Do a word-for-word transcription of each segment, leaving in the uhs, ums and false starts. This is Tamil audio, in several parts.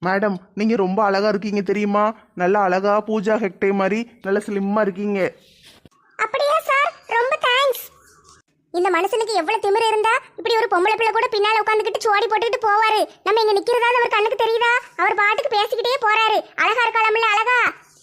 மேடம் நீங்க ரொம்ப அழகா இருக்கீங்க தெரியுமா? நல்லா அழகா பூஜா ஹெக்டே மாதிரி நல்ல ஸ்லிம்மா இருக்கீங்க. அப்படியா சார், ரொம்ப தேங்க்ஸ். இந்த மனுஷனுக்கு எவ்வளவு திமிரு இருந்தா இப்படி ஒரு பொம்பளை பிள்ளை கூட பின்னால உட்காந்துக்கிட்டு சோடி போட்டுட்டு போவாரு. நம்ம இங்க நிக்கிறதாவது அவர் கண்ணுக்கு தெரியுதா? அவர் பாட்டுக்கு பேசிக்கிட்டே போறாரு. அழகா இருக்காளம்ல அழகா.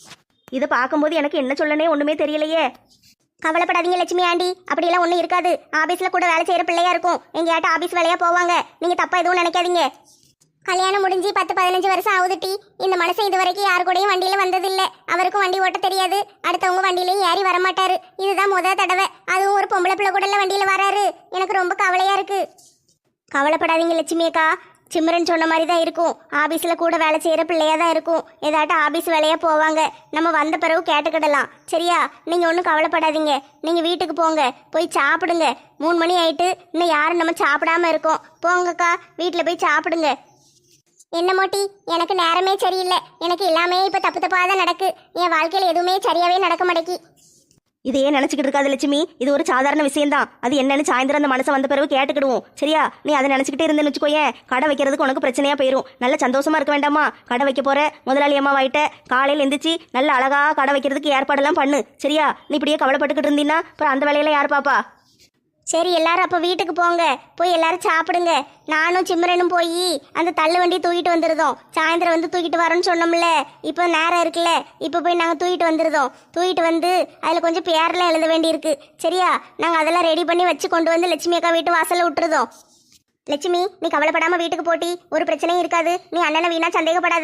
இதை பார்க்கும்போது எனக்கு என்ன சொல்லனே ஒண்ணுமே தெரியலையே. கவலைப்படாதீங்க லட்சுமி ஆண்டி, அப்படியெல்லாம் ஒன்றும் இருக்காது. ஆபீஸ்ல கூட வேலை செய்யற பிள்ளையா இருக்கும். எங்கேயாட்ட ஆபீஸ் வேலையா போவாங்க. நீங்க தப்பா எதுவும் நினைக்காதீங்க. கல்யாணம் முடிஞ்சு பத்து பதினஞ்சு வருஷம் ஆகுது டி. இந்த மனுஷன் இது வரைக்கும் யாரு கூடயும் வண்டியில வந்ததில்லை. அவருக்கும் வண்டி ஓட்ட தெரியாது. அடுத்தவங்க வண்டியிலையும் ஏறி வரமாட்டாரு. இதுதான் முத தடவை. அதுவும் ஒரு பொம்பளை பிள்ளை கூட வண்டியில வராரு. எனக்கு ரொம்ப கவலையா இருக்கு. கவலைப்படாதீங்க லட்சுமி அக்கா, சிம்ரன் சொன்ன மாதிரி தான் இருக்கும். ஆபீஸ்ல கூட வேலை செய்யற பிள்ளையா தான் இருக்கும். ஏதாட்டும் ஆபீஸ் வேலையா போவாங்க. நம்ம வந்த பிறகு கேட்டுக்கிடலாம். சரியா? நீங்க ஒன்றும் கவலைப்படாதீங்க. நீங்க வீட்டுக்கு போங்க, போய் சாப்பிடுங்க. மூணு மணி ஆயிட்டு இன்னும் யாரும் நம்ம சாப்பிடாம இருக்கோம். போங்கக்கா, வீட்டுல போய் சாப்பிடுங்க. என்ன மோட்டி, எனக்கு நேரமே சரியில்லை. எனக்கு எல்லாமே இப்ப தப்பு தப்பா தான் நடக்கு. என் வாழ்க்கையில எதுவுமே சரியாவே நடக்க மாட்டேக்கி. இதையே நினைச்சுக்கிட்டு இருக்காது லட்சுமி. இது ஒரு சாதாரண விஷயம்தான். அது என்னன்னு சாயந்தரம் அந்த மனசை வந்த பிறகு கேட்டுக்கிடுவோம். சரியா? நீ அதை நினைச்சுக்கிட்டே இருந்தேன்னு வச்சுக்கோயேன், கடை வைக்கிறதுக்கு உனக்கு பிரச்சனையா போயிடும். நல்ல சந்தோஷமா இருக்க வேண்டாமா? கடை வைக்க போற முதலாளி அம்மா வாயிட்ட காலையில் எந்திரிச்சு நல்ல அழகா கடை வைக்கிறதுக்கு ஏற்பாடெல்லாம் பண்ணு. சரியா? நீ இப்படியே கவலைப்பட்டுக்கிட்டு இருந்தீங்கன்னா அப்புறம் அந்த வேலையெல்லாம் யார் பாப்பா? சரி, எல்லாரும் அப்ப வீட்டுக்கு போங்க. போய் எல்லாரும் சாப்பிடுங்க. நானும் சிம்ரனும் போய் அந்த தள்ளு வண்டி தூக்கிட்டு வந்துருதோம். சாயந்தரம் வந்து தூக்கிட்டு வரோன்னு சொன்னோம்ல, இப்போ நேரம் இருக்குல்ல, இப்போ போய் நாங்கள் தூக்கிட்டு வந்துருதோம். தூக்கிட்டு வந்து அதில் கொஞ்சம் பேரெல்லாம் எழுத வேண்டியிருக்கு. சரியா? நாங்கள் அதெல்லாம் ரெடி பண்ணி வச்சு கொண்டு வந்து லட்சுமி அக்கா வீட்டு வாசலில் விட்டுருதோம். லட்சுமி, நீ கவலைப்படாமல் வீட்டுக்கு போட்டி, ஒரு பிரச்சனையும் இருக்காது. நீ அண்ணனை வீணா சந்தேகப்படாத.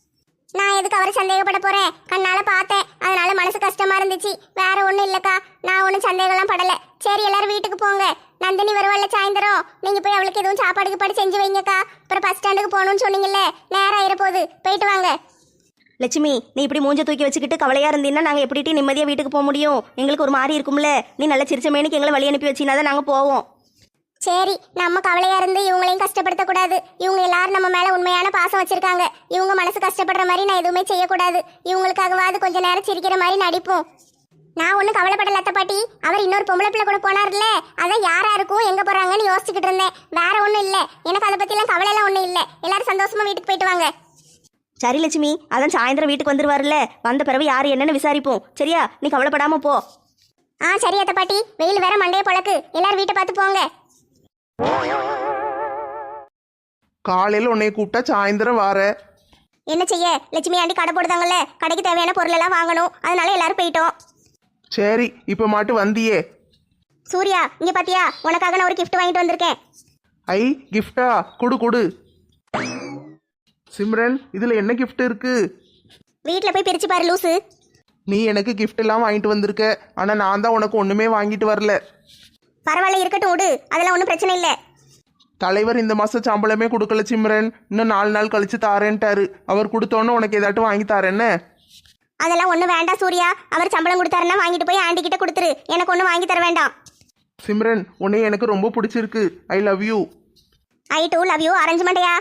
நான் எதுக்கு அவரை சந்தேகப்பட போறேன்? கண்ணால பார்த்தேன், அதனால மனசு கஷ்டமா இருந்துச்சு. வேற ஒண்ணும் இல்லக்கா, நான் ஒன்றும் சந்தேகம்லாம் படல. சரி, எல்லாரும் வீட்டுக்கு போங்க. நந்தினி வருவாள்ல சாயந்தரம், நீங்க போய் அவளுக்கு எதுவும் சாப்பாடு கீப்பாடு செஞ்சு வைங்கக்கா. அப்புறம் பஸ் ஸ்டாண்டுக்கு போகணும்னு சொன்னீங்கல்ல, நேரம் ஆயிரப்போகுது. போயிட்டு வாங்க. லட்சுமி, நீ இப்படி மூஞ்ச தூக்கி வச்சுக்கிட்டு கவலையா இருந்தீங்கன்னா நாங்கள் எப்படிட்டு நிம்மதியாக வீட்டுக்கு போக முடியும்? எங்களுக்கு ஒரு மாதிரி இருக்கும்ல. நீ நல்ல சிரிச்சமேனிக்கு எங்களை வழி அனுப்பி வச்சினா தான் நாங்கள் போவோம். சரி, நம்ம கவலையா இருந்து இவங்களையும் கஷ்டப்படுத்த கூடாது. இவங்க எல்லாரும் நம்ம மேல உண்மையான பாசம் வச்சிருக்காங்க. இவங்க மனசு கஷ்டப்படுற மாதிரி நான் எதுவுமே செய்யக்கூடாது. இவங்களுக்காகவாது கொஞ்ச நேரம் சிரிக்கிற மாதிரி நடிப்போம். நான் ஒன்றும் கவலைப்படல அத்தை பாட்டி. அவர் இன்னொரு பொம்பளை பிள்ளை கூட போனார்ல, அதான் யாரா இருக்கும் எங்க போறாங்கன்னு யோசிச்சுக்கிட்டு இருந்தேன். வேற ஒன்றும் இல்லை. எனக்கு அதை பத்திலாம் கவலை எல்லாம் ஒன்றும் இல்லை. எல்லாரும் சந்தோஷமா வீட்டுக்கு போயிட்டு வாங்க. சரி லட்சுமி, அதான் சாயந்தரம் வீட்டுக்கு வந்துருவாருல்ல, வந்த பிறகு யாரு என்னன்னு விசாரிப்போம். சரியா? நீ கவலைப்படாம போ. ஆ சரி அத்தை பாட்டி. வெயில் வேற மண்டைய பொழக்கு. எல்லாரும் வீட்டை பார்த்து போங்க. காலையில் உன்னைய கூப்பிட்டா சாயந்தரம் வார. என்ன செய்ய, லட்சுமி ஆண்டி கடை போடுதாங்கல்ல, கடைக்கு தேவையான பொருள் எல்லாம் வாங்கணும். அதனால எல்லாரும் போயிட்டோம். சரி, இப்போ மாட்டு வந்தியே. சூர்யா, இங்க பாத்தியா, உனக்காக நான் ஒரு கிஃப்ட் வாங்கிட்டு வந்திருக்கேன். ஐ, கிஃப்டா? குடு குடு. சிம்ரன், இதுல என்ன கிஃப்ட் இருக்கு? வீட்ல போய் பிரிச்சு பாரு லூசு. நீ எனக்கு கிஃப்ட் எல்லாம் வாங்கிட்டு வந்திருக்க, ஆனா நான் தான் உனக்கு ஒண்ணுமே வாங்கிட்டு வரல. பரவாயில்ல, இருக்கட்டும் விடு. அதெல்லாம் ஒன்றும் பிரச்சனை இல்லை. தலைவர் இந்த மாசம் சம்பளமே கொடுக்கல சிம்ரன். இன்னும் நாலு நாள் கழிச்சு தாரேன்ட்டாரு. அவர் கொடுத்தோன்னு உனக்கு ஏதாட்டும் வாங்கி தாரேன்னு. அதெல்லாம் ஒன்றும் வேண்டாம் சூர்யா. அவர் சம்பளம் கொடுத்தாருன்னா வாங்கிட்டு போய் ஆண்டி கிட்ட கொடுத்துரு. எனக்கு ஒன்றும் வாங்கி தர வேண்டாம். சிம்ரன், உன்னை எனக்கு ரொம்ப பிடிச்சிருக்கு. I love you. I too love you. அரேஞ்ச்மெண்ட்யா.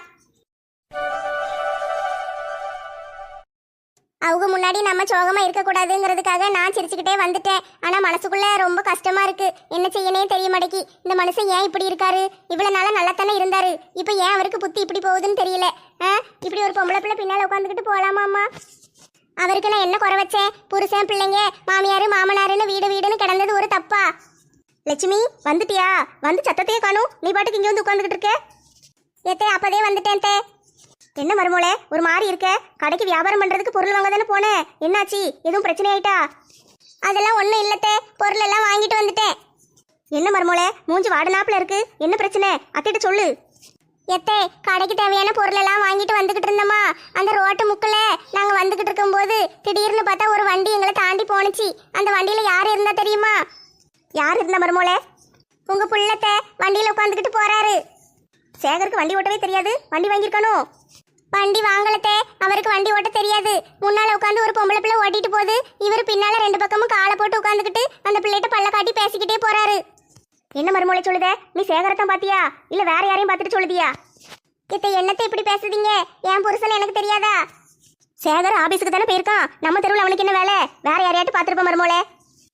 அவங்க முன்னாடி நம்ம சோகமா இருக்கக்கூடாதுங்கிறதுக்காக நான் சிரிச்சுக்கிட்டே வந்துட்டேன். ஆனா மனசுக்குள்ள ரொம்ப கஷ்டமா இருக்கு. என்ன செய்யனே தெரிய மாட்டேக்கி. இந்த மனுஷன் ஏன் இப்படி இருக்காரு? இவ்வளவு நாளா நல்லா தானே இருந்தாரு. இப்ப ஏன் அவருக்கு புத்தி இப்படி போகுதுன்னு தெரியல. இப்படி ஒரு பொம்பளை பிள்ளை பின்னால உட்காந்துக்கிட்டு போலாமாம்மா? அவருக்கு நான் என்ன குறை வச்சேன்? புருஷன், பிள்ளைங்க, மாமியாரு, மாமனாருன்னு வீடு வீடுன்னு கிடந்தது ஒரு தப்பா? லட்சுமி, வந்துட்டியா? வந்து சத்தத்தையே காணும். நீ பாட்டுக்கு இங்க வந்து உட்காந்துக்கிட்டு இருக்க. ஏத்தே, அப்பதே வந்துட்டேன் தே. என்ன மருமோளே, ஒரு மாதிரி இருக்க? கடைக்கு வியாபாரம் பண்றதுக்கு பொருள் வாங்க தானே போனேன். என்னாச்சு? எதுவும் பிரச்சனை ஆயிட்டா? அதெல்லாம் ஒன்றும் இல்லத்தே, பொருள் எல்லாம் வாங்கிட்டு வந்துட்டேன். என்ன மருமோளே, மூஞ்சி வாடனாப்புல இருக்கு. என்ன பிரச்சனை? அத்திட்ட சொல்லு. எத்தே, கடைக்கு தேவையான பொருள் எல்லாம் வாங்கிட்டு வந்துகிட்டு இருந்தோமா, அந்த ரோட்டு முக்கில் நாங்கள் வந்துகிட்டு இருக்கும்போது திடீர்னு பார்த்தா ஒரு வண்டி எங்களை தாண்டி போனுச்சு. அந்த வண்டியில் யார் இருந்தா தெரியுமா? யார் இருந்தா மருமோளே? உங்க புள்ளத்தை வண்டியில் உட்காந்துக்கிட்டு போறாரு. சேகருக்கு வண்டி ஓட்டவே தெரியாது, வண்டி வாங்கியிருக்கணும். வண்டி வாங்கலத்தே, அவருக்கு வண்டி ஓட்ட தெரியாது. முன்னால உட்காந்து ஒரு பொம்பளை பிள்ளை ஓட்டிட்டு போகுது. இவர் பின்னால ரெண்டு பக்கமும் காலை போட்டு உட்காந்துக்கிட்டு அந்த பிள்ளைகிட்ட பல்ல காட்டி பேசிக்கிட்டே போறாரு. என்ன மருமலை சொல்லுத? நீ சேகரத்தான் பாத்தியா இல்ல வேற யாரையும் பார்த்துட்டு சொல்லுதியா? இத்த என்னத்தை இப்படி பேசுதீங்க? என் புருஷன் எனக்கு தெரியாதா? சேகர் ஆபீஸுக்கு தானே போயிருக்கான். நம்ம தெருவில் அவனுக்கு என்ன வேலை? வேற யாரையாட்டு பார்த்துருப்ப மருமோளே.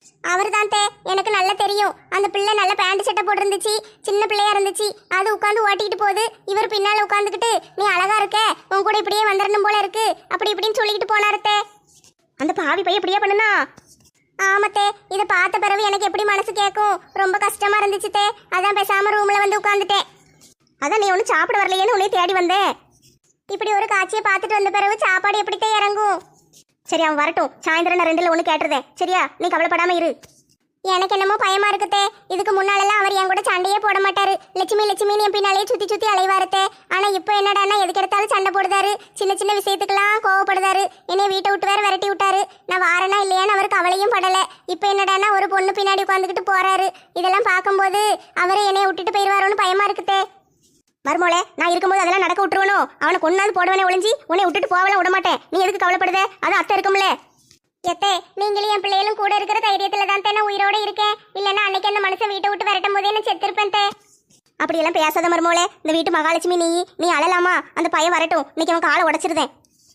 அவர் தான் தே, எனக்கு நல்லா தெரியும். அந்த பிள்ளை நல்ல பேண்ட் சட்டை போட்டிருந்துச்சு, சின்ன பிள்ளையா இருந்துச்சு. அது உட்காந்து ஓட்டிக்கிட்டு போகுது. இவர் பின்னால உட்காந்துக்கிட்டு நீ அழகா இருக்க, உன் கூட இப்படியே வந்துடணும் போல இருக்கு, அப்படி இப்படின்னு சொல்லிக்கிட்டு போனாருத்தே. அந்த பாவி பையன் இப்படியே பண்ணுனா? ஆமத்தே, இதை பார்த்த பிறகு எனக்கு எப்படி மனசு கேட்கும், ரொம்ப கஷ்டமா இருந்துச்சு தே. அதான் பேசாம ரூம்ல வந்து உட்காந்துட்டேன். அதான் நீ ஒன்றும் சாப்பிட வரலையேன்னு உன்னைய தேடி வந்தேன். இப்படி ஒரு காட்சியை பார்த்துட்டு வந்த பிறகு சாப்பாடு எப்படித்தான் இறங்கும்? சரி, அவன் வரட்டும். சாயந்தரம் நான் ரெண்டுல ஒன்று கேட்டுறதேன். சரியா? நீ கவலைப்படாம இரு. எனக்கு என்னமோ பயமா இருக்குத்தே. இதுக்கு முன்னாலெல்லாம் அவர் என் கூட சண்டையே போட மாட்டாரு. லட்சுமி லட்சுமின்னு என் பின்னாலே சுத்தி சுத்தி அலைவாருத்தே. ஆனா இப்போ என்னடான்னா எதுக்கு எடுத்தாலும் சண்டை போடுதாரு, சின்ன சின்ன விஷயத்துக்கெல்லாம் கோவப்படுதாரு. என்னைய வீட்டை விட்டு வேற விரட்டி விட்டாரு. நான் வாரனா இல்லையான்னு அவருக்கு கவலையும் படல. இப்போ என்னடான்னா ஒரு பொண்ணு பின்னாடி உட்காந்துக்கிட்டு போறாரு. இதெல்லாம் பார்க்கும்போது அவரை என்னைய விட்டுட்டு போயிடுவாரோன்னு பயமா இருக்குத்தே. மருமோளே, நான் இருக்கும்போது அதெல்லாம் நடக்க விட்டுருவனோ? அவனை கொண்டாந்து போடுவனே ஒளிஞ்சி உன்னை விட்டுட்டு போகலாம் விட மாட்டேன். நீ எதுக்கு கவலைப்படுத? அது அத்தை இருக்கும்ல. எத்தே, நீங்களும் என் பிள்ளைகளும் கூட இருக்கிற தைரியத்துல தான் தே நான் உயிரோட இருக்கேன். இல்லைன்னா அன்னைக்கு அந்த மனுஷன் வீட்டை விட்டு விரட்டும் போதே நான் செத்திருப்பேன் தே. அப்படியெல்லாம் பேசாத மருமோளே. இந்த வீட்டு மகாலட்சுமி நீ நீ அழலாமா? அந்த பையன் வரட்டும். இன்னைக்கு அவன் காலை உடைச்சிருந்தேன்.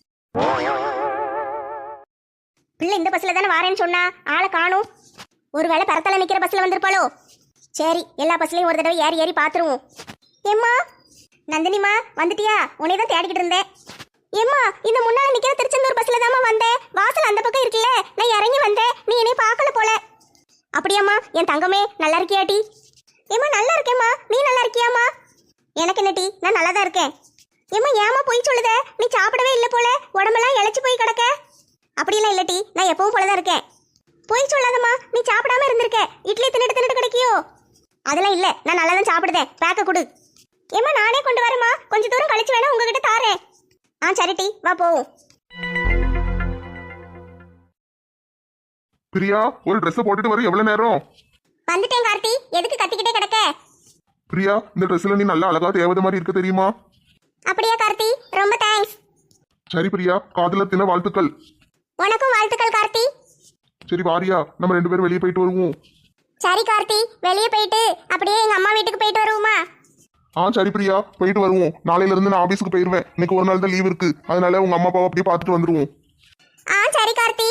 பிள்ளை இந்த பஸ்ல தானே வாரேன்னு சொன்னா, ஆளை காணும். ஒருவேளை பரத்தல நிக்கிற பஸ்ல வந்திருப்பாளோ? சரி, எல்லா பஸ்லயும் ஒரு தடவை ஏறி ஏறி பாத்துருவோம். ஏம்மா நந்தினிமா, வந்துட்டியா? உன்னை தான் தேடிக்கிட்டு இருந்தேன். ஏம்மா, இந்த முன்னால நிக்கிற திருச்செந்தூர் பஸ்ல தாம்மா வந்தேன். வாசல் அந்த பக்கம் இருக்குல்ல, நான் இறங்கி வந்தேன். நீ என்னை பார்க்கல போல. அப்படியாம்மா? என் தங்கமே, நல்லா இருக்கியாட்டி? ஏம்மா நல்லா இருக்கேம்மா. நீ நல்லா இருக்கியாம்மா? எனக்கு என்ன டீ, நான் நல்லா தான் இருக்கேன். ஏம்மா ஏமா போய் சொல்லுத? நீ சாப்பிடவே இல்லை போல, உடம்பெல்லாம் இழைச்சி போய் கிடக்க. அப்படியெல்லாம் இல்லை டீ, நான் எப்பவும் போலதான் இருக்கேன். போய் சொல்லாதம்மா, நீ சாப்பிடாம இருந்திருக்க. இட்லி தின்னுட்டு தின்னுட்டு கிடைக்கியோ? அதெல்லாம் இல்லை, நான் நல்லா தான் சாப்பிடுதேன். பேக்க கொடு. ஏம்மா நானே கொண்டு வரேம்மா, கொஞ்ச தூரம் கழிச்சு வேணா உங்ககிட்ட தாரேன். ஆ சரி டி, வா போவோம். பிரியா, ஒரு ட்ரெஸ் போட்டுட்டு வர எவ்வளவு நேரம்? வந்துட்டேன் கார்த்தி, எதுக்கு கத்திக்கிட்டே கிடக்க? பிரியா, இந்த ட்ரெஸ்ல நீ நல்லா அழகா தேவதை மாதிரி இருக்க தெரியுமா? அப்படியா கார்த்தி, ரொம்ப தேங்க்ஸ். சரி பிரியா, காதல தின வாழ்த்துக்கள். உனக்கும் வாழ்த்துக்கள் கார்த்தி. சரி வாரியா, நம்ம ரெண்டு பேரும் வெளியே போயிட்டு வருவோம். சரி கார்த்தி, வெளியே போயிட்டு அப்படியே எங்க அம்மா வீட்டுக்கு போயிட்டு வருவோமா? ஆ சரி பிரியா, போயிட்டு வருவோம். நாளையில இருந்து நான் ஆபீஸ்க்கு போயிருவேன். இன்னைக்கு ஒரு நாள் தான் லீவ் இருக்கு, அதனால உங்க அம்மா அப்பாவை அப்படியே பார்த்துட்டு வந்துருவோம். ஆ சரி கார்த்தி.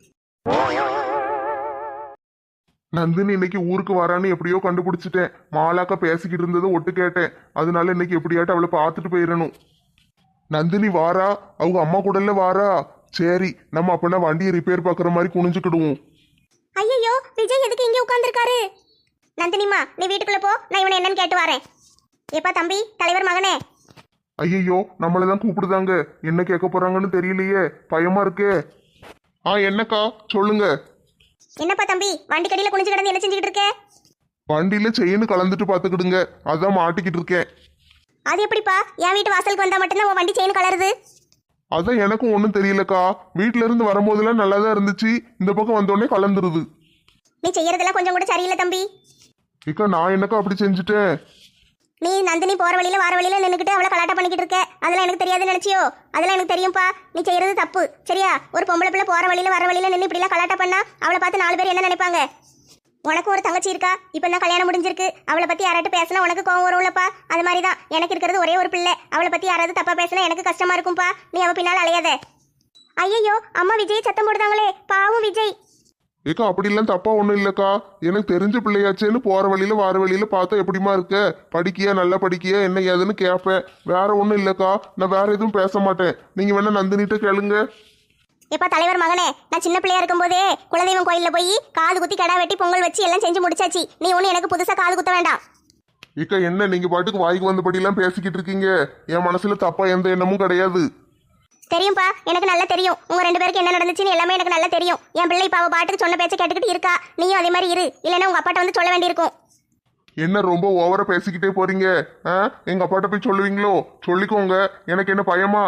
நந்தினி இன்னைக்கு ஊருக்கு வரான்னு எப்படியோ கண்டுபிடிச்சிட்டேன். மாலாக்கா பேசிக்கிட்டு இருந்ததை ஒட்டு கேட்டேன். அதனால இன்னைக்கு எப்படியாட்டும் அவளை பார்த்துட்டு போயிடணும். நந்தினி வாரா, அவங்க அம்மா கூடல வாரா. சரி, நம்ம அப்பனா வண்டியை ரிப்பேர் பார்க்குற மாதிரி குனிஞ்சுக்கிடுவோம். ஐயோ, விஜய் எதுக்கு இங்கே உட்கார்ந்துருக்காரு? நந்தினிமா, நீ வீட்டுக்குள்ள போ, நான் இவனை என்னன்னு கேட்டு வரேன். ஏப்பா தம்பி, தலைவர் மகனே. ஐயோ, நம்மளதான் கூப்பிடுதாங்க. என்ன கேட்க போறாங்கன்னு தெரியலையே, பயமா இருக்கே. ஆ என்னக்கா, சொல்லுங்க. என்னப்பா தம்பி, வண்டி கடியில குனிஞ்சு கிடந்து என்ன செஞ்சுக்கிட்டு இருக்க? வண்டியில செயின்னு கலந்துட்டு பாத்துக்கிடுங்க, அதான் மாட்டிக்கிட்டு இருக்கேன். அது எப்படிப்பா, என் வீட்டு வாசலுக்கு வந்தா மட்டும்தான் உன் வண்டி செயின் கலருது? அதான் எனக்கும் ஒன்றும் தெரியலக்கா. வீட்டுல இருந்து வரும்போதெல்லாம் நல்லா தான் இருந்துச்சு, இந்த பக்கம் வந்தோடனே கலந்துருது. நீ செய்யறதெல்லாம் கொஞ்சம் கூட சரியில்லை தம்பி. இக்கா, நான் என்னக்கா அப்படி செஞ்சுட்டேன்? நீ நந்தினி போற வழியில வர வழியில நின்னுக்கிட்டு அவளை கலாட்டா பண்ணிக்கிட்டு இருக்க. அதெல்லாம் எனக்கு தெரியாதுன்னு நினைச்சியோ? அதெல்லாம் எனக்கு தெரியும்பா. நீ செய்யறது தப்பு, சரியா? ஒரு பொம்பளை பிள்ளை போற வழியில வர வழியில நின்று இப்படிலாம் கலாட்டா பண்ணா அவளை பார்த்து நாலு பேர் என்ன நினைப்பாங்க? உனக்கு ஒரு தங்கச்சி இருக்கா, இப்போ தான் கல்யாணம் முடிஞ்சிருக்கு. அவளை பத்தி யாராட்டு பேசினா உனக்கு கோவம் வரும்லப்பா. அது மாதிரி தான் எனக்கு இருக்கிறது ஒரே ஒரு பிள்ளை. அவளை பத்தி யாராவது தப்பா பேசினா எனக்கு கஷ்டமா இருக்கும்பா. நீ அவ பின்னால் அலையாத. ஐயோ, அம்மா விஜய் சத்தம் போடுதாங்களே, பாவம் விஜய். ஏக்கா, அப்படிலாம் தப்பா ஒன்றும் இல்லைக்கா. எனக்கு தெரிஞ்ச பிள்ளையாச்சேன்னு போற வழியில வார வழியில பார்த்தா எப்படிமா இருக்க, படிக்கியா, நல்லா படிக்கியா, என்ன ஏதுன்னு கேட்பேன். வேற ஒன்றும் இல்லைக்கா, நான் வேற எதுவும் பேச மாட்டேன். நீங்க வேணா நந்தினிட்ட கேளுங்க. எப்பா தலைவர் மகனே, நான் சின்ன பிள்ளையா இருக்கும் போதே குலதெய்வம் கோயில்ல போய் காது குத்தி கடா வெட்டி பொங்கல் வச்சு எல்லாம் செஞ்சு முடிச்சாச்சு. நீ ஒண்ணு எனக்கு புதுசா காது குத்த வேண்டாம். ஏக்கா, என்ன நீங்க பாட்டுக்கு வாய்க்கு வந்தபடியெல்லாம் பேசிக்கிட்டு இருக்கீங்க? என் மனசுல தப்பா எந்த எண்ணமும் கிடையாது. தெரியும்பா, எனக்கு நல்லா தெரியும். உங்க ரெண்டு பேருக்கு என்ன நடந்துச்சுன்னு எல்லாமே எனக்கு நல்லா தெரியும். என் பிள்ளை இப்ப அவ பாட்டுக்கு சொன்ன பேச்ச கேட்டுக்கிட்டு இருக்கா. நீயும் அதே மாதிரி இரு, இல்லைன்னா உங்க அப்பாட்ட வந்து சொல்ல வேண்டியிருக்கும். என்ன ரொம்ப ஓவரா பேசிக்கிட்டே போறீங்க? எங்க அப்பாட்ட போய் சொல்லுவீங்களோ? சொல்லிக்கோங்க, எனக்கு என்ன பயமா?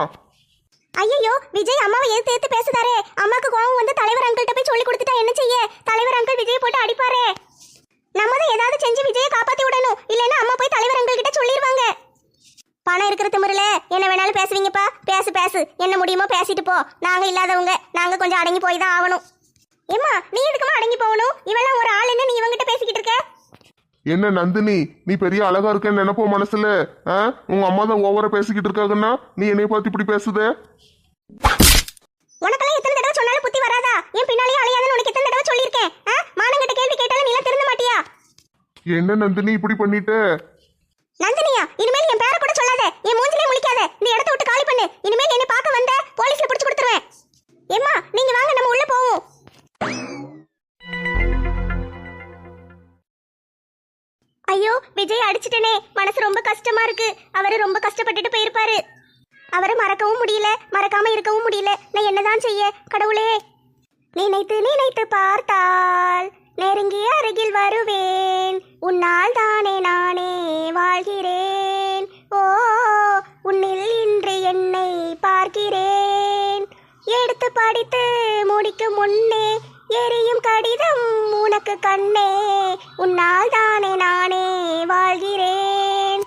ஐயோ, விஜய் அம்மாவை ஏத்து ஏத்து பேசுதாரே. அம்மாக்கு கோவம் வந்து தலைவர் அங்கிள்கிட்ட போய் சொல்லி கொடுத்துட்டா என்ன செய்ய? தலைவர் அங்கிள் விஜய் போட்டு அடிப்பாரே. நம்ம தான் ஏதாவது செஞ்சு விஜயை காப்பாத்தி விடணும், இல்லைன்னா அம்மா போய் தலைவர் அங்கிள் கிட்ட சொல்லிடுவாங்க. பணம் இருக்கிற திமிருல என்ன வேணாலும் பேசுவீங்கப்பா. பேசு பேசு, என்ன முடியுமோ பேசிட்டு போ. நாங்க இல்லாதவங்க, நாங்க கொஞ்சம் அடங்கி போய் தான் ஆகணும். ஏம்மா, நீ எதுக்குமா அடங்கி போகணும்? இவெல்லாம் ஒரு ஆள், என்ன நீ இவங்கிட்ட பேசிக்கிட்டு இருக்க? என்ன நந்தினி, நீ பெரிய அழகா இருக்கன்னு நினைப்போம் மனசுல. உங்க அம்மா தான் ஓவரா பேசிக்கிட்டு இருக்காங்கன்னா நீ என்னைய பார்த்து இப்படி பேசுத? உனக்கெல்லாம் எத்தனை தடவை சொன்னாலும் புத்தி வராதா? என் பின்னாலேயே அலையாதுன்னு உனக்கு எத்தனை தடவை சொல்லியிருக்கேன்? மான கேட்டாலும் நீ திருந்த மாட்டியா? என்ன நந்தினி இப்படி பண்ணிட்ட? நந்தினியா, இனிமேல் என் பேரை கூட சொல்லாத, என் மூஞ்சிலே முழிக்காத, இந்த இடத்த விட்டு காலி பண்ணு. இனிமேல் என்னை பார்க்க வந்த போலீஸ்ல பிடிச்சு கொடுத்துருவேன். ஏம்மா நீங்க வாங்க, நம்ம உள்ள போவோம். ஐயோ விஜய் அடிச்சிட்டனே, மனசு ரொம்ப கஷ்டமா இருக்கு. அவரு ரொம்ப கஷ்டப்பட்டுட்டு போயிருப்பாரு. அவரை மறக்கவும் முடியல, மறக்காம இருக்கவும் முடியல. நான் என்னதான் செய்ய கடவுளே? நினைத்து நினைத்து பார்த்தால் நெருங்கி அருகில் வருவேன், உன்னால் தானே நானே வாழ்கிறேன். ஓ உன்னில் இன்று என்னை பார்க்கிறேன். எடுத்து படித்து முடிக்கும் முன்னே எரியும் கடிதம் உனக்கு கண்ணே, உன்னால் தானே நானே வாழ்கிறேன்.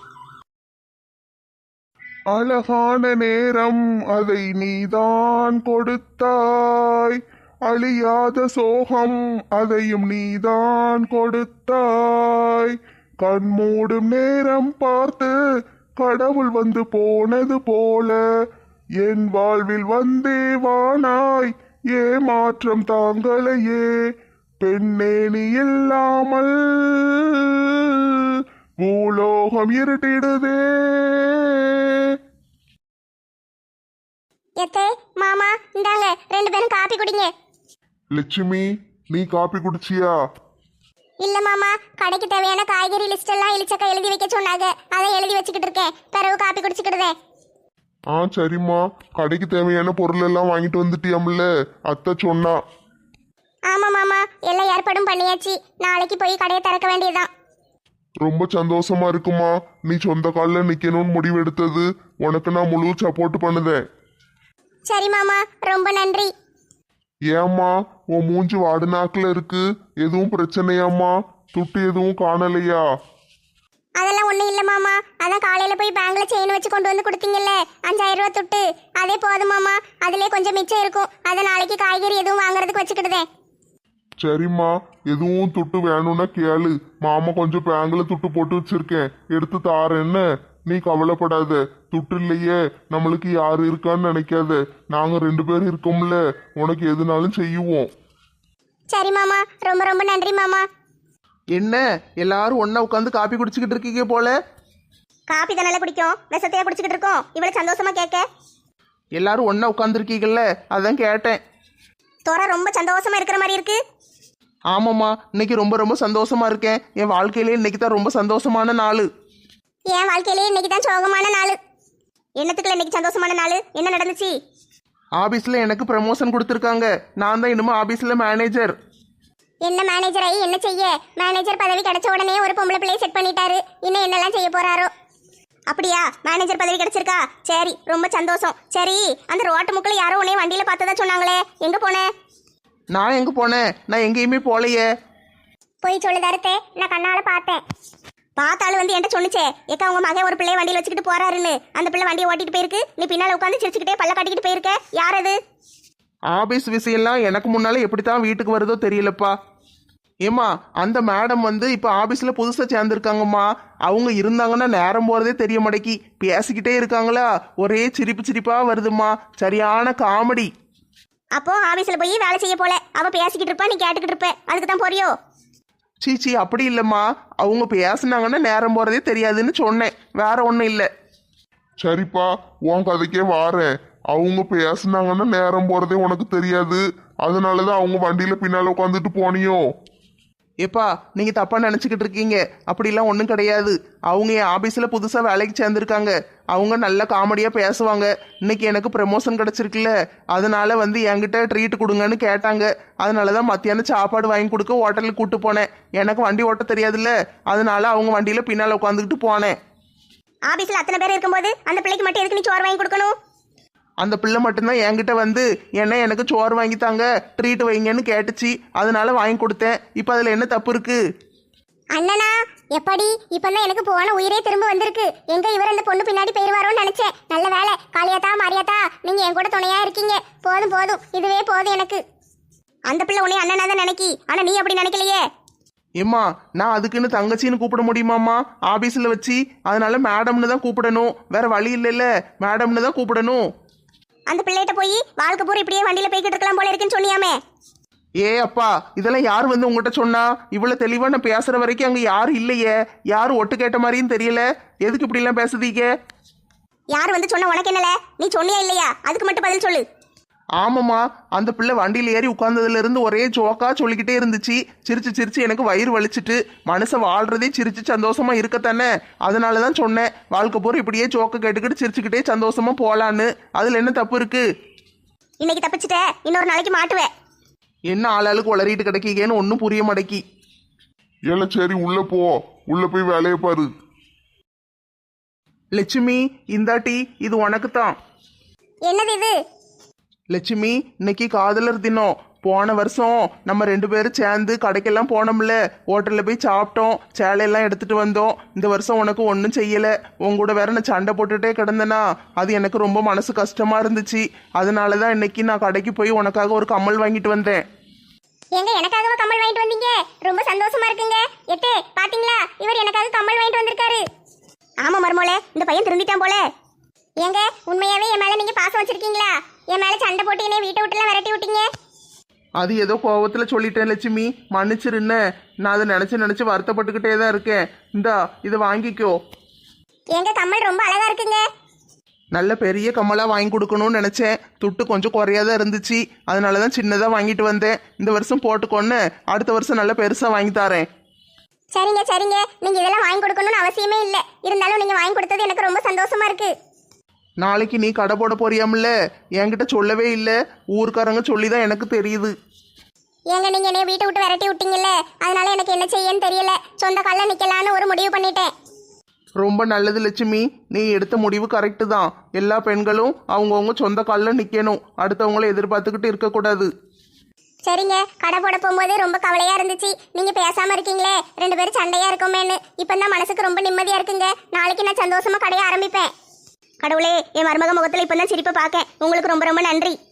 அழகான நேரம் அதை நீதான் கொடுத்தாய், அழியாத சோகம் அதையும் நீதான் கொடுத்தாய். கண்மூடும் நேரம் பார்த்து கடவுள் வந்து போனது போல என் வாழ்வில் வந்தே வானாய், ஏமாற்றம் தாங்களையே பெண்ணே நீ இல்லாமல் பூலோகம் இருட்டிடுதே. எத்தே மாமா இந்தாங்க, ரெண்டு பேரும் காப்பி குடிங்க. லட்சுமி நீ காப்பி குடிச்சியா? இல்ல மாமா, கடைக்கு தேவையான காய்கறி லிஸ்ட் எல்லாம் இளிச்சக்கா எழுதி வைக்க சொன்னாங்க, அதை எழுதி வச்சுக்கிட்டு இருக்கேன். பிறகு காப்பி குடிச்சுக்கிடுதே. ஆ சரிம்மா, கடைக்கு தேவையான பொருள் எல்லாம் வாங்கிட்டு வந்துட்டியாம்ல, அத்தை சொன்னா. ஆமா மாமா, எல்லா ஏற்பாடும் பண்ணியாச்சு. நாளைக்கு போய் கடையை திறக்க வேண்டியதுதான். ரொம்ப சந்தோஷமா இருக்குமா, நீ சொந்த காலில் நிக்கணும்னு முடிவெடுத்தது. உனக்கு நான் முழு சப்போர்ட் பண்ணுதேன். சரி மாமா, ரொம்ப நன்றி. ஏம்மா உன் மூஞ்சி வாடு நாக்கில் இருக்கு, எதுவும் பிரச்சனையாம்மா? துட்டு எதுவும் காணலையா? அதெல்லாம் ஒண்ணும் இல்ல மாமா, அதான் காலையில போய் பேங்க்ல செயின் வச்சு கொண்டு வந்து கொடுத்தீங்கல்ல, அஞ்சாயிரம் ரூபாய் துட்டு, அதே போதும் மாமா. அதுலயே கொஞ்சம் மிச்சம் இருக்கும், அதை நாளைக்கு காய்கறி எதுவும் வாங்குறதுக்கு வச்சுக்கிடுதேன். சரிம்மா, எதுவும் துட்டு வேணும்னா கேளு, மாமா கொஞ்சம் பேங்க்ல துட்டு போட்டு வச்சிருக்கேன், எடுத்து தாரேன்னு. நீ கவலைப்படாத, துட்டு இல்லையே நம்மளுக்கு யாரு இருக்கான்னு நினைக்காத, நாங்க ரெண்டு பேரும் இருக்கோம்ல, உனக்கு எதுனாலும் செய்வோம். சரி மாமா, ரொம்ப ரொம்ப நன்றி மாமா. என்ன எல்லாரும் ஒண்ணா உட்காந்து காப்பி குடிச்சுக்கிட்டு இருக்கீங்க போல? காப்பி தானே பிடிக்கும், விஷத்தையா குடிச்சுக்கிட்டு இருக்கோம். இவ்வளவு சந்தோஷமா கேட்க. எல்லாரும் ஒண்ணா உட்காந்துருக்கீங்கல்ல, அதான் கேட்டேன். தோரா ரொம்ப சந்தோஷமா இருக்கிற மாதிரி இருக்கு. ஆமாம்மா, இன்னைக்கு ரொம்ப ரொம்ப சந்தோஷமா இருக்கேன். என் வாழ்க்கையிலே இன்னைக்கு தான் ரொம்ப சந்தோஷமான நாள். என் வாழ்க்கையிலே இன்னைக்கு தான் சோகமான நாள். என்னத்துக்குள்ள இன்னைக்கு சந்தோஷமான நாள்? என்ன நடந்துச்சு? ஆபீஸ்ல எனக்கு ப்ரமோஷன் கொடுத்துருக்காங்க. நான் தான் இனிமே ஆபீஸ்ல மேனேஜர். என்ன மேனேஜர் ஆகி என்ன செய்ய? மேனேஜர் பதவி கிடைச்ச உடனே ஒரு பொம்பளை பிள்ளையை செட் பண்ணிட்டாரு. இன்னும் என்னெல்லாம் செய்ய போறாரோ? அப்படியா, மேனேஜர் பதவி கிடைச்சிருக்கா? சரி, ரொம்ப சந்தோஷம். சரி, அந்த ரோட்டு முக்கில் யாரோ உன்னைய வண்டியில பார்த்ததா சொன்னாங்களே, எங்க போன? நான் எங்க போனேன்? நான் எங்கேயுமே போலையே. போய் சொல்லுதாருத்தே, நான் கண்ணால பார்த்தேன். பார்த்தாலும் வந்து என்கிட்ட சொன்னுச்சே, ஏக்கா உங்க மகன் ஒரு பிள்ளைய வண்டியில் வச்சுக்கிட்டு போறாருன்னு. அந்த பிள்ளை வண்டியை ஓட்டிட்டு போயிருக்கு, நீ பின்னால உட்காந்து சிரிச்சுக்கிட்டே பல்ல காட்டிக்கிட்டு போயிருக்க. யார் அது? ஆபீஸ் விஷயம்லாம் எனக்கு முன்னால எப்படித்தான் வீட்டுக்கு வருதோ தெரியலப்பா. ஏம்மா, அந்த மேடம் வந்து இப்போ ஆபீஸ்ல புதுசாக சேர்ந்துருக்காங்கம்மா. அவங்க இருந்தாங்கன்னா நேரம் போகிறதே தெரிய மாட்டேக்கி. பேசிக்கிட்டே இருக்காங்களா, ஒரே சிரிப்பு சிரிப்பா வருதுமா. சரியான காமெடி. அப்போ ஆபீஸ்ல போய் வேலை செய்ய போல, அவ பேசிக்கிட்டு இருப்பா, நீ கேட்டுக்கிட்டு இருப்ப, அதுக்கு தான் போறியோ? சீச்சி, அப்படி இல்லைம்மா. அவங்க பேசுனாங்கன்னா நேரம் போகிறதே தெரியாதுன்னு சொன்னேன், வேற ஒன்றும் இல்லை. சரிப்பா, உன் கதைக்கே வாரேன். அவங்க பேசுனாங்கன்னா நேரம் போறதே உனக்கு தெரியாது, அதனாலதான் அவங்க வண்டியில பின்னால உட்காந்துட்டு போனியோ? ஏப்பா, நீங்கள் தப்பாக நினச்சிக்கிட்டு இருக்கீங்க. அப்படிலாம் ஒன்றும் கிடையாது. அவங்க என் ஆஃபீஸில் புதுசாக வேலைக்கு சேர்ந்துருக்காங்க. அவங்க நல்ல காமெடியாக பேசுவாங்க. இன்னைக்கு எனக்கு ப்ரமோஷன் கிடச்சிருக்குல்ல, அதனால வந்து என்கிட்ட ட்ரீட் கொடுங்கன்னு கேட்டாங்க. அதனால தான் மத்தியானம் சாப்பாடு வாங்கி கொடுக்க ஹோட்டலுக்கு கூப்பிட்டு போனேன். எனக்கு வண்டி ஓட்ட தெரியாதுல்ல, அதனால அவங்க வண்டியில் பின்னால் உட்காந்துக்கிட்டு போனேன். ஆபீஸ்ல அத்தனை பேர் இருக்கும்போது அந்த பிள்ளைக்கு மட்டும் எதுக்கு நீ சோறு வாங்கி கொடுக்கணும்? அந்த பிள்ளை மட்டும்தான் என்கிட்ட வந்து என்ன எனக்கு சோறு வாங்கித்தாங்க, ட்ரீட் வைங்கன்னு கேட்டுச்சு. அதனால வாங்கி கொடுத்தேன். இப்போ அதில் என்ன தப்பு இருக்கு? அண்ணனா எப்படி இப்பதான் எனக்கு போன உயிரே திரும்ப வந்திருக்கு. எங்க இவர் அந்த பொண்ணு பின்னாடி போயிருவாரோன்னு நினைச்சேன். நல்ல வேலை, காளியாத்தா மாரியாத்தா நீங்க என் கூட துணையா இருக்கீங்க. போதும் போதும், இதுவே போதும் எனக்கு. அந்த பிள்ளை உன்னை அண்ணனா தான் நினைக்கி, ஆனா நீ அப்படி நினைக்கலையே. ஏம்மா, நான் அதுக்குன்னு தங்கச்சின்னு கூப்பிட முடியுமாம்மா ஆபீஸில் வச்சு? அதனால மேடம்னு தான் கூப்பிடணும், வேற வழி இல்லைல்ல, மேடம்னு தான் கூப்பிடணும். அந்த பிள்ளைகிட்ட போய் வாழ்க்கை பூரா இப்படியே வண்டியில போய்கிட்டு இருக்கலாம் போல இருக்குன்னு சொன்னியாமே. ஏ அப்பா இதெல்லாம் யார் வந்து உங்ககிட்ட சொன்னா? இவ்வளவு தெளிவா நான் பேசுற வரைக்கும் அங்க யாரும் இல்லையே, யாரும் ஒட்டு கேட்ட மாதிரியும் தெரியல. எதுக்கு இப்படி எல்லாம் பேசுதீங்க? யார் வந்து சொன்ன உனக்கு என்னல? நீ சொன்னியா இல்லையா? அதுக்கு மட்டும் பதில் சொல்லு. ஆமாம்மா, அந்த பிள்ளை வண்டியில் ஏறி உட்கார்ந்ததுல இருந்து ஒரே ஜோக்கா சொல்லிக்கிட்டே இருந்துச்சு. சிரிச்சு சிரிச்சு எனக்கு வயிறு வலிச்சிட்டு. மனுஷன் வாழ்றதே சிரிச்சு சந்தோஷமா இருக்கத்தானே, அதனால தான் சொன்னேன். வாழ்க்கை பூரா இப்படியே ஜோக்க கேட்டுக்கிட்டு சிரிச்சுக்கிட்டே சந்தோஷமா போலான்னு. அதுல என்ன தப்பு இருக்கு? இன்னைக்கு தப்பிச்சிட்ட, இன்னொரு நாளைக்கு மாட்டுவேன். என்ன ஆளாளுக்கு உளறிட்டு கிடைக்கீங்கன்னு ஒன்றும் புரிய மாட்டேக்கி. ஏல சரி உள்ள போ, உள்ள போய் வேலையை பாரு. லட்சுமி இந்தாட்டி இது உனக்கு தான். என்னது இது? லட்சுமி, இன்னைக்கு காதலர் தினம். போன வருஷம் நம்ம ரெண்டு பேரும் சேர்ந்து கடைக்கெல்லாம் போனோம்ல, ஹோட்டலில் போய் சாப்பிட்டோம், சேலையெல்லாம் எடுத்துட்டு வந்தோம். இந்த வருஷம் உனக்கு ஒன்றும் செய்யலை. உன் கூட வேற நான் சண்டை போட்டுட்டே கிடந்தேனா, அது எனக்கு ரொம்ப மனசு கஷ்டமா இருந்துச்சு. அதனால தான் இன்னைக்கு நான் கடைக்கு போய் உனக்காக ஒரு கம்மல் வாங்கிட்டு வந்தேன். எங்க எனக்காகவா கம்மல் வாங்கிட்டு வந்தீங்க? ரொம்ப சந்தோஷமா இருக்குங்க. எத்தே பாத்தீங்களா, இவர் எனக்காக கம்மல் வாங்கிட்டு வந்திருக்காரு. ஆமா மருமோளே, இந்த பையன் திருந்திட்டான் போல. ஏங்க உண்மையாவே என் மேல நீங்க பாசம் வச்சிருக்கீங்களா? என் மேல சண்டை போட்டு என்னை வீட்டை விட்டுலாம் விரட்டி விட்டீங்க. அது ஏதோ கோவத்தில் சொல்லிட்டேன் லட்சுமி, மன்னிச்சிருன்னு. நான் அதை நினச்சி நினச்சி வருத்தப்பட்டுக்கிட்டே தான் இருக்கேன். இந்தா இதை வாங்கிக்கோ. எங்க கம்மல் ரொம்ப அழகா இருக்குங்க. நல்ல பெரிய கம்மலாக வாங்கி கொடுக்கணும்னு நினச்சேன். துட்டு கொஞ்சம் குறையாதான் இருந்துச்சு, அதனால தான் சின்னதாக வாங்கிட்டு வந்தேன். இந்த வருஷம் போட்டுக்கொன்னு, அடுத்த வருஷம் நல்ல பெருசாக வாங்கி தரேன். சரிங்க சரிங்க, நீங்க இதெல்லாம் வாங்கி கொடுக்கணும்னு அவசியமே இல்லை. இருந்தாலும் நீங்க வாங்கி கொடுத்தது எனக்கு ரொம்ப சந்தோஷமா இருக்கு. நாளைக்கு நீ கடை போட போறியாமில்ல, என்கிட்ட சொல்லவே இல்லை. ஊருக்காரங்க சொல்லி தான் எனக்கு தெரியுது. ஏங்க நீங்க என்னைய வீட்டை விட்டு விரட்டி விட்டீங்கல்ல, அதனால எனக்கு என்ன செய்யன்னு தெரியல. சொந்த கால்ல நிக்கலான்னு ஒரு முடிவு பண்ணிட்டேன். ரொம்ப நல்லது லட்சுமி, நீ எடுத்த முடிவு கரெக்டு தான். எல்லா பெண்களும் அவங்கவுங்க சொந்த காலில் நிற்கணும், அடுத்தவங்கள எதிர்பார்த்துக்கிட்டு இருக்கக்கூடாது. சரிங்க, கடை போட போகும்போது ரொம்ப கவலையா இருந்துச்சு. நீங்க பேசாம இருக்கீங்களே, ரெண்டு பேரும் சண்டையா இருக்கோமேன்னு. இப்பதான் மனசுக்கு ரொம்ப நிம்மதியா இருக்குங்க. நாளைக்கு நான் சந்தோஷமா கடையை ஆரம்பிப்பேன். கடவுளே, என் மருமக முகத்துல இப்பதான் சிரிப்பை பார்க்கேன். உங்களுக்கு ரொம்ப ரொம்ப நன்றி.